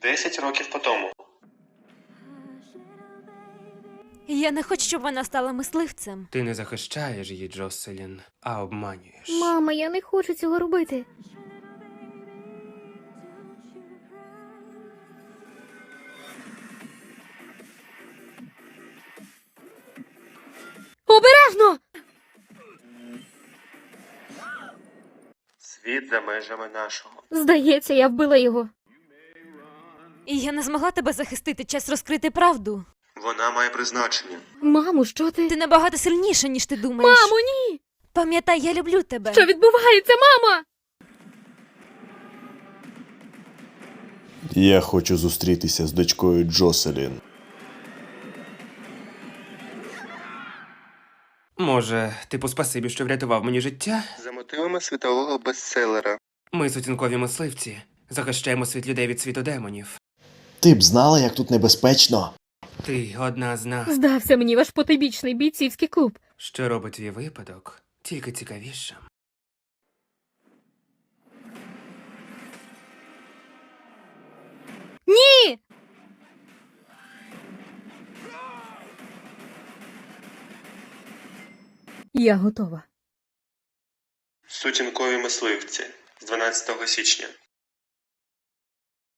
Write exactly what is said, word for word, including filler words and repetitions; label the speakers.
Speaker 1: Десять років по тому.
Speaker 2: Я не хочу, щоб вона стала мисливцем.
Speaker 3: Ти не захищаєш її, Джоселін, а обманюєш.
Speaker 4: Мама, я не хочу цього робити. Обережно!
Speaker 1: Світ за межами нашого.
Speaker 4: Здається, я вбила його.
Speaker 2: І я не змогла тебе захистити, час розкрити правду.
Speaker 1: Вона має призначення.
Speaker 4: Мамо, що ти?
Speaker 2: Ти набагато сильніша, ніж ти думаєш.
Speaker 4: Мамо, ні!
Speaker 2: Пам'ятай, я люблю тебе.
Speaker 4: Що відбувається, мама?
Speaker 5: Я хочу зустрітися з дочкою Джоселін.
Speaker 3: Може, типу спасибі, що врятував мені життя?
Speaker 1: За мотивами світового бестселера.
Speaker 3: Ми сутінкові мисливці. Захищаємо світ людей від світу демонів.
Speaker 5: Ти б знала, як тут небезпечно?
Speaker 3: Ти одна з нас.
Speaker 4: Здався мені ваш потойбічний бійцівський клуб.
Speaker 3: Що робить твій випадок тільки цікавішим.
Speaker 4: Ні! Я готова.
Speaker 1: Сутінкові мисливці. З дванадцятого січня.